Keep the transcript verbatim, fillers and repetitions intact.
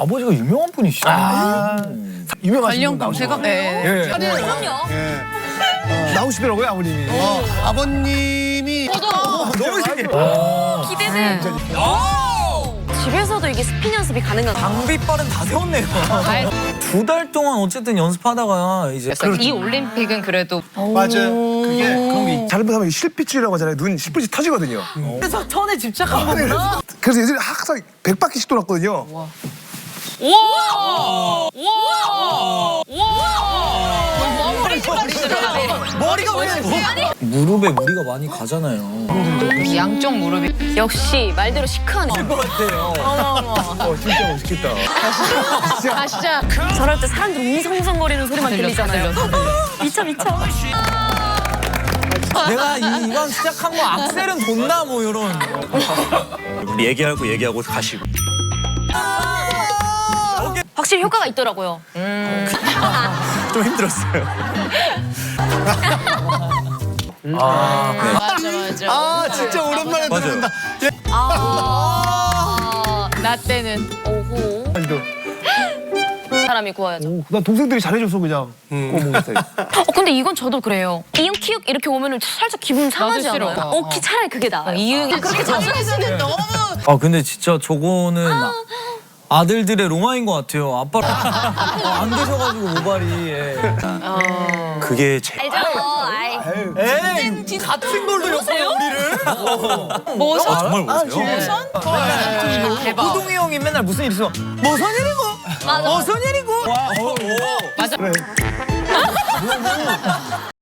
아버지가 유명한 분이시죠? 아, 유명하신 관련 분 나오시고. 검색어? 네. 예. 그럼요. 예. 나오시더라고요, 아버님이. 어, 아버님이 너무 신기해. 기대돼. 집에서도 이게 스핀 연습이 가능한 장비빨은 다 세웠네요. 두 달 동안 어쨌든 연습하다가 이제 이 올림픽은 그래도 맞아요. 그게 그런 게 잘못하면 실핏줄이라고 하잖아요. 눈 실핏이 터지거든요. 그래서 천에 집착한 거구나. 그래서 예전에 항상 백 바퀴씩 돌았거든요. 머리가 왜 무릎에 무리가 많이 가잖아요. 양쪽 무릎이 역시 말대로 시크하네. 것 같아요. 어, 진짜 멋있겠다. 가시자. 저럴 때 사람들 웅성웅성거리는 소리만 들렸어, 들리잖아요. 들렸어. 미쳐 미쳐. 내가 이, 이왕 시작한 거 악셀은 돋나 뭐 이런. 얘기하고 얘기하고 가시고. 확실히 효과가 있더라고요. 좀 힘들었어요. 아, 네. 맞아 맞아. 아, 진짜 오랜만에 맞아요. 듣는다. 아, 나 때는 오호. 아직도. 사람이 구워야죠. 오, 나 동생들이 잘해줘서 그냥 구워 먹었어요. 어 근데 이건 저도 그래요. 이응 키읔 이렇게 오면은 살짝 기분 상하지 싫어. 않아요? 어, 어, 키 차라리 그게 나아요. 이응이 그렇게 자신있는 너무. 아 근데 진짜 저거는 아들들의 로망인 것 같아요. 아빠랑 안 계셔가지고 모발이. 예. 그게 제 알죠? 아이. 에이 같은 걸로 엮어요 우리를. 모선 아, 정말 보세요. 대박. 호동이 형이 맨날 무슨 일 있으면 무슨 일이고 맞아. 무슨 일이고. 맞아. 그래.